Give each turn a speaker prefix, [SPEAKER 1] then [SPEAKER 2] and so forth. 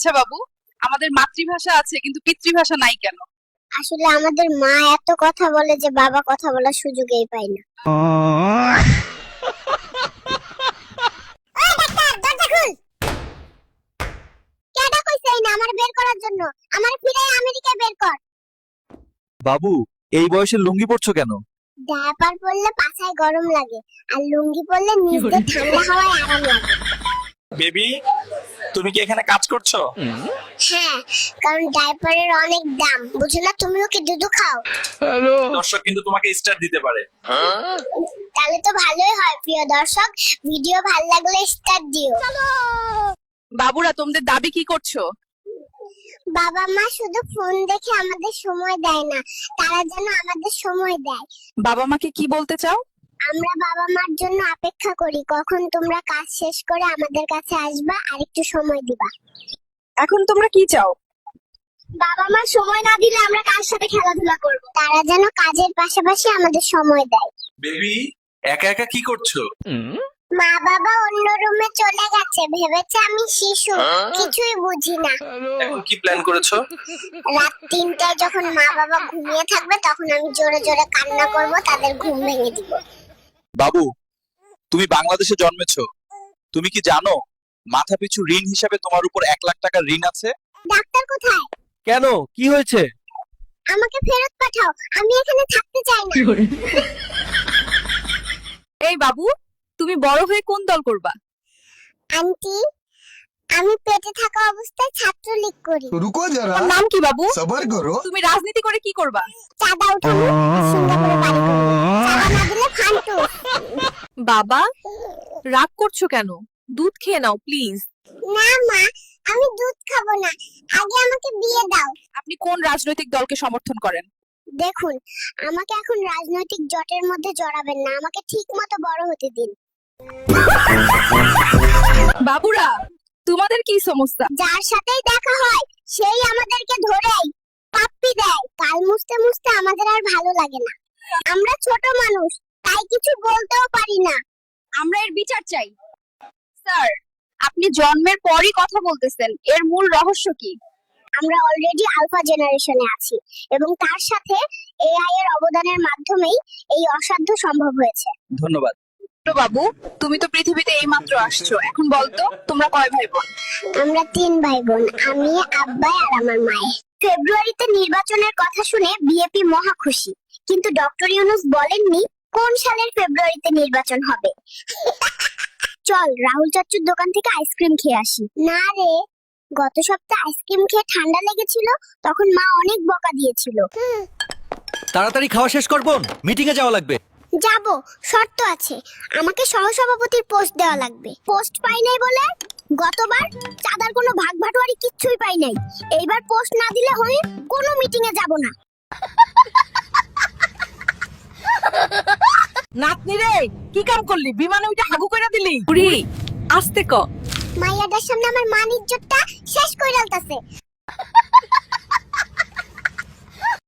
[SPEAKER 1] আচ্ছা বাবু, আমাদের মাতৃভাষা আছে কিন্তু পিতৃভাষা নাই কেন?
[SPEAKER 2] আসলে আমাদের মা এত কথা বলে যে বাবা কথা বলার সুযোগই পায় না। ওই ডাক্তার, দরজা খুল। কেডা কইছে এই না আমার বের করার জন্য? আমার ফিরে আমেরিকায় বের কর।
[SPEAKER 3] বাবু, এই বয়সে লুঙ্গি পরছো কেন?
[SPEAKER 2] ডায়াপার পরলে পাছায় গরম লাগে আর লুঙ্গি পরলে নিচে ঠান্ডা হাওয়ায় আরাম লাগে।
[SPEAKER 4] বেবি, তুমি কি এখানে কাজ করছো?
[SPEAKER 2] হ্যাঁ, কারণ ডায়াপারের অনেক দাম, বুঝো না? তুমিও কি দুধ খাও?
[SPEAKER 4] দর্শক কিন্তু তোমাকে স্টার দিতে পারে।
[SPEAKER 2] তাহলে তো ভালোই হয়। প্রিয় দর্শক, ভিডিও ভালো লাগলে স্টার দিও।
[SPEAKER 1] বাবুরা, তোমাদের দাবি কি করছো?
[SPEAKER 2] বাবা মা শুধু ফোন দেখে আমাদের সময় দেয় না, তারা যেন আমাদের সময় দেয়।
[SPEAKER 1] বাবা মাকে কি বলতে চাও?
[SPEAKER 2] আমরা বাবা মার জন্য অপেক্ষা করি কখন তোমরা কাজ শেষ করে আমাদের কাছে আসবা আর একটু সময় দিবা।
[SPEAKER 1] এখন তোমরা কি চাও?
[SPEAKER 2] বাবা মা সময় না দিলে আমরা কার সাথে খেলাধুলা করব? তারা যেন কাজের পাশাপাশি আমাদের সময় দেয়।
[SPEAKER 4] বেবি, একা একা কি করছো?
[SPEAKER 2] মা বাবা অন্য রুমে চলে গেছে, ভেবেছে আমি শিশু, কিছুই বুঝি না।
[SPEAKER 4] এখন কি প্ল্যান করেছো?
[SPEAKER 2] রাত 3টায় যখন মা বাবা ঘুমিয়ে থাকবে তখন আমি জোরে জোরে কান্না করব, তাদের ঘুম ভেঙে দিব।
[SPEAKER 3] বাবু, তুমি বাংলাদেশে জন্মেছো, তুমি কি জানো মাথাপিছু ঋণ হিসাবে তোমার উপর 1 লাখ টাকার ঋণ আছে?
[SPEAKER 2] ডাক্তার কোথায়?
[SPEAKER 3] কেন, কি হয়েছে?
[SPEAKER 2] আমাকে ফেরত পাঠাও, আমি এখানে থাকতে চাই না।
[SPEAKER 1] এই বাবু, তুমি বড় হয়ে কোন দল করবা?
[SPEAKER 2] আন্টি, আমি পেটে থাকা অবস্থায় ছাত্রলীগ করি।
[SPEAKER 5] रुको जरा
[SPEAKER 1] তোমার নাম কি বাবু?
[SPEAKER 5] सबर करो।
[SPEAKER 1] তুমি রাজনীতি করে কি করবা?
[SPEAKER 2] চাঁদা উঠাবো আর সিঙ্গাপুরে বাড়ি করবো। চাঁদা না দিলে ফান্টু।
[SPEAKER 1] বাবা, রাগ করছো কেন? দুধ খেয়ে নাও প্লিজ।
[SPEAKER 2] না মা, আমি দুধ খাবো না, আগে আমাকে বিয়ে দাও।
[SPEAKER 1] আপনি কোন রাজনৈতিক দলকে সমর্থন করেন?
[SPEAKER 2] দেখুন, আমাকে এখন রাজনৈতিক জটের মধ্যে জড়াবেন না, আমাকে ঠিক মতো বড় হতে দিন।
[SPEAKER 1] বাবুরা, তোমাদের কি সমস্যা?
[SPEAKER 2] যার সাথেই দেখা হয় সেই আমাদেরকে ধরেই পাপ্পি দেয়। কাল মুছতে মুছতে আমাদের আর ভালো লাগে না। আমরা ছোট মানুষ, তাই কিছু বলতেও পারি না।
[SPEAKER 1] আমরা এর বিচার চাই। স্যার, আপনি জন্মের পরই কথা বলতেছেন, এর মূল রহস্য কি?
[SPEAKER 2] আমরা অলরেডি আলফা জেনারেশনে আছি এবং তার সাথে এআই এর অবদানের মাধ্যমেই এই অসাধ্য সম্ভব হয়েছে।
[SPEAKER 3] ধন্যবাদ।
[SPEAKER 1] তো বাবু, তুমি তো পৃথিবীতে এইমাত্র আসছো, এখন বলতো তোমরা কয় ভাই বোন?
[SPEAKER 2] আমরা 3 ভাই বোন, আমি, আব্বাই আর আমার মায়ে। ফেব্রুয়ারিতে নির্বাচনের কথা শুনে বিএপি মহা খুশি, কিন্তু ডক্টর ইউনূস বলেননি কোন সালের ফেব্রুয়ারিতে নির্বাচন হবে। চল রাহুল চাচুর দোকান থেকে আইসক্রিম খেয়ে আসি। না রে, গত সপ্তাহে আইসক্রিম খেয়ে ঠান্ডা লেগেছিল, তখন মা অনেক বকা দিয়েছিল।
[SPEAKER 6] তাড়াতাড়ি খাওয়া শেষ কর বোন, মিটিং এ যাওয়া লাগবে।
[SPEAKER 2] যাব, শর্ত আছে, আমাকে সহসভাপতির পোস্ট দেওয়া লাগবে। পোস্ট পাই নাই বলে গতবার চাঁদার কোনো ভাগ ভাটোয়ারি কিচ্ছুই পাই নাই। এইবার পোস্ট না দিলে হয় কোনো মিটিং এ যাব না।
[SPEAKER 1] নাতনি রে, কি কাম করলি? বিমানে উঠে হাগু কইরা দিলি? বুড়ি, আস্তে ক।
[SPEAKER 2] মাইয়াটার সামনে আমার মান ইজ্জতটা শেষ কইরালতাছে।